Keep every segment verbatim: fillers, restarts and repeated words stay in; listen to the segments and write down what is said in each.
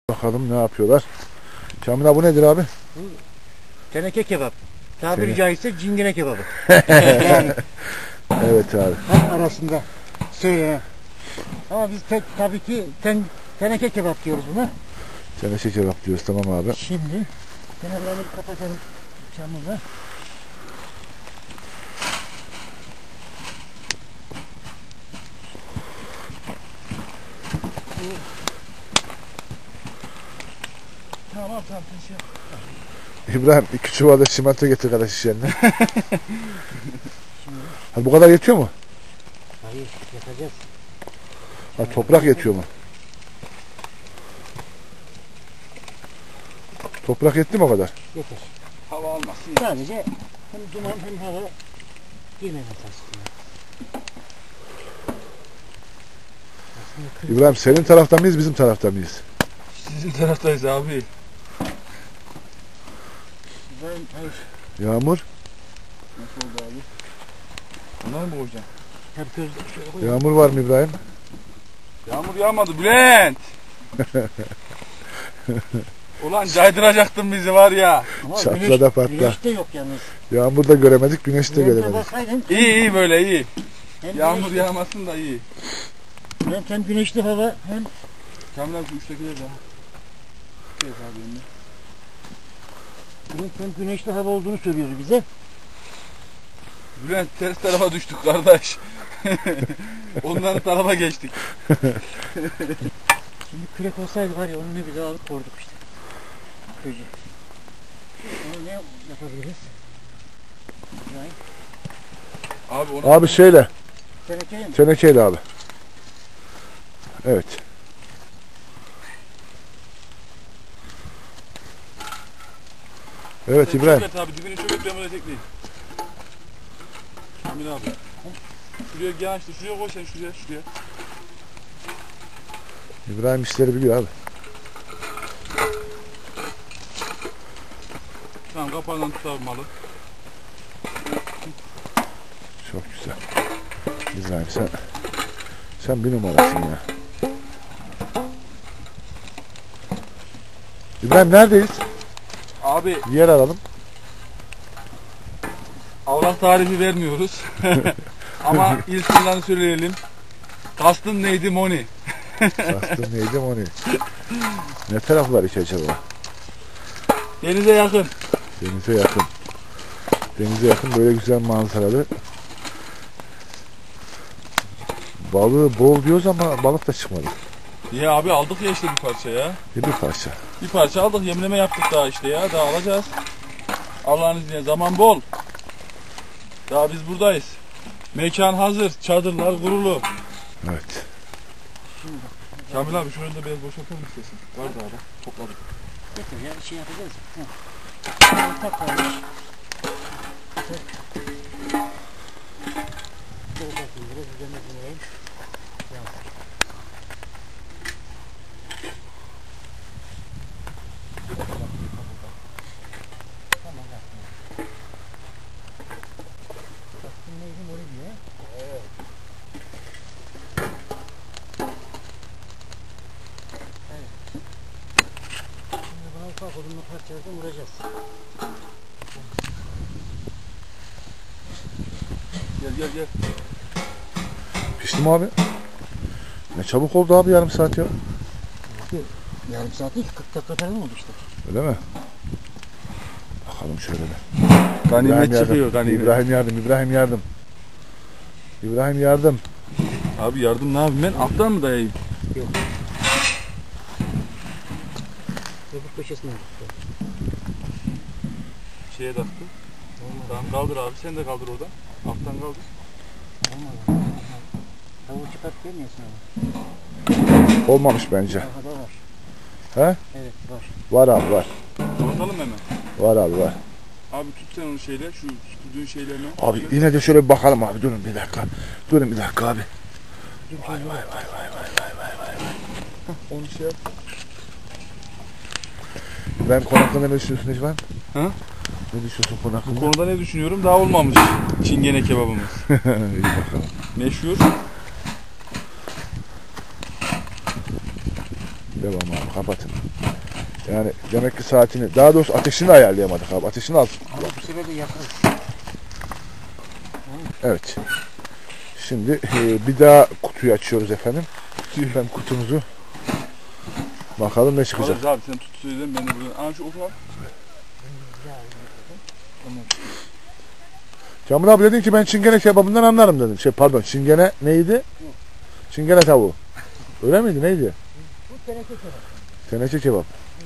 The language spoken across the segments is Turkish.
Bakalım ne yapıyorlar. Kamil abi bu nedir abi? Bu teneke kebap. Tabiri Tene... caizse cingene kebabı. Yani. Evet abi. Halk arasında söylenen. Ama biz tek, tabii ki ten, teneke kebap diyoruz buna. Teneke kebap diyoruz, tamam abi. Şimdi kenarlarını kapatalım çamurla. Tamam tamam şey. İbrahim iki çuvalda çimento getir kardeş iş yerine. Hadi bu kadar yetiyor mu? Hayır, yapacağız. Ha, toprak yetiyor mu? Toprak yetti mi o kadar? Yeter. Hava almasın. Sadece hem duman hem hava girmemesi aslında. İbrahim senin taraftan mıyız, bizim taraftan mıyız? Sizin taraftayız abi. Ben, hayır. Yağmur? Nasıl oldu abi? Bunlar mı koyacaksın? Hep gözle şöyle koyalım. Yağmur var mı İbrahim? Yağmur yağmadı Bülent. Ulan caydıracaktın bizi var ya. Ama Çatla güneş, da patla. güneş de yok yalnız. Yağmur da göremedik, güneş de Güneşe göremedik. baksaydın, İyi iyi böyle iyi. hem Yağmur güneşli- yağmasın da iyi. hem, hem güneşli hava hem Kamil abi şu üsttekiler de. Şey abi önüne. hem, hem güneşli hava olduğunu söylüyor bize. Bülent ters tarafa düştük kardeş. Onların tarafa geçtik. Şimdi kürek olsaydı var ya onu ne bile alıp koyduk işte. Köyce. Onu ne yapabiliriz? Yani, Abi onu Abi şeyle, tenekeye mi? tenekeyle abi. Evet. Evet Sen İbrahim. çöket abi dibini çöket ben böyle tekleyeyim. Kamil abi. Şuraya gel işte şuraya koy sen şuraya şuraya. İbrahim işleri biliyor abi. Tamam kapağından tut abi malı. Çok güzel. İbrahim sen sen bir numarasın ya. İbrahim neredeyiz? Abi Yer alalım. Allah tarifi vermiyoruz. Ama il sınırlarını söyleyelim. Kastın neydi Moni? Kastım neydi onu? Ne taraflar hiç acaba? Denize yakın. Denize yakın. Denize yakın böyle güzel manzaralı. Balığı bol diyoruz ama balık da çıkmadı. Ya abi aldık ya işte bir parça ya. Bir, bir parça. Bir parça aldık yemleme yaptık daha işte ya. Daha alacağız. Allah'ın izniyle zaman bol. Daha biz buradayız. Mekan hazır. Çadırlar kurulu. Evet. Kamil abi şurayı da biraz boşaltalım istesin. Var daha da topladık. Getir ya bir şey yapacağız. Hı. Tak varmış. Dur bakayım biraz üzerine dinleyeyim. Tamam yapma. Baktım neydim onu diye. Evet. Şimdi buna ufak odunlu parçalardan vuracağız. Gel gel gel. Pişti mi abi? Ne çabuk oldu abi, yarım saat ya. Yarım saat değil, kırk dakika falan oldu işte. Öyle mi? Bakalım şöyle de. Ganimet yardım. çıkıyor ganimet. İbrahim yardım. İbrahim yardım. İbrahim yardım. Abi yardım ne yapayım ben? Alttan mı dayayayım? Yok. Öbür köşesine gitti. Şeye taktı. Tamam kaldır abi sen de kaldır oradan. Alttan kaldır. Olmadı. Tavuğu çıkart demiyorsun ama. Olmamış bence. Daha da var. He? Evet var. Var abi var. Kapatalım hemen. Var abi var. Abi tut sen onu şeyle şu tuttuğun şeylerini. Abi yine de şöyle bir bakalım abi. Durun bir dakika. Durun bir dakika abi. Vay vay vay vay vay vay vay vay. Onu şey yap. Ben konu hakkında ne düşünüyorsun İbrahim? Ha? Ne düşünüyorsun konu Bu hakkında? konuda ne düşünüyorum? Daha olmamış. Çingene kebabımız. İyi bakalım. Meşhur. Devam abi, kapatın. Yani demek ki saatini, daha doğrusu ateşini ayarlayamadık abi. Ateşini al. Ama bu sefer de yakarız. Evet. Şimdi e, bir daha kutuyu açıyoruz efendim. Ben kutumuzu bakalım ne çıkacak. Alırız abi sen tut söyledin ben de buradan. Aa şu oku al. Kamil abi dedin ki ben çingene kebabından anlarım dedin. Şey pardon, çingene neydi? Çingene tavuğu. Öyle miydi, neydi? Bu teneke kebap. Teneke kebap.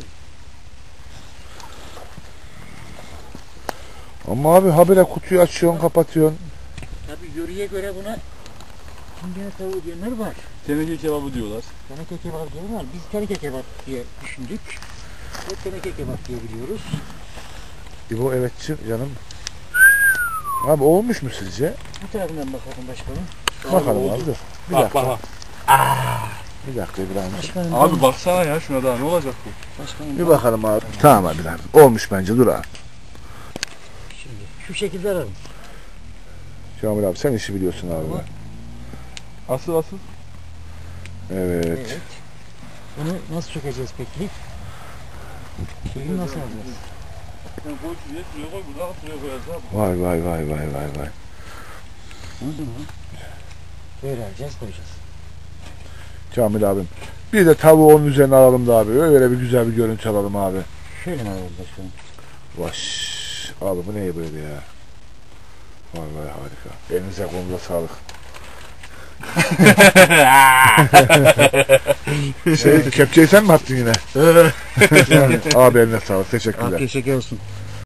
Ama abi habire kutuyu açıyorsun, kapatıyorsun. Tabii yöreye göre buna çingene tavuğu diyenler var. Teneke kebabı diyorlar. Teneke kebap diyorlar ama biz teneke kebap diye düşündük. Ve teneke kebap diye biliyoruz. İbo evetçi canım. Abi olmuş mu sizce? Bu tarafından bakalım başkanım. Bakalım oldu. abi dur. Bir Bak dakika. bak bak. Bir dakika İbrahim. Başkanım, Abi baksana ya şuna daha ne olacak bu? başkanım, Bir bakalım abi. Tamam abi lan. Olmuş bence, dur abi. Şimdi şu şekilde alalım. Kamil abi sen işi biliyorsun abi. Asıl asıl. Evet. Evet. Bunu nasıl çökeceğiz peki? Şeyi nasıl alacağız? Sen koy şuraya, şuraya koy, buradan şuraya koyarız abi. Vay vay vay vay vay vay. Anladın mı? Böyle alacağız, koyacağız. Kamil abim. Bir de tavuğu onun üzerine alalım da abi. Öyle bir güzel bir görüntü alalım abi. Şöyle mi alalım başkanım? Vaş. Abi bu ne böyle ya? Vay vay harika. Elinize kolunuza sağlık. şey kepçeyi sen mi attın yine? Abi eline sağlık. Teşekkürler. Afiyet şeker olsun.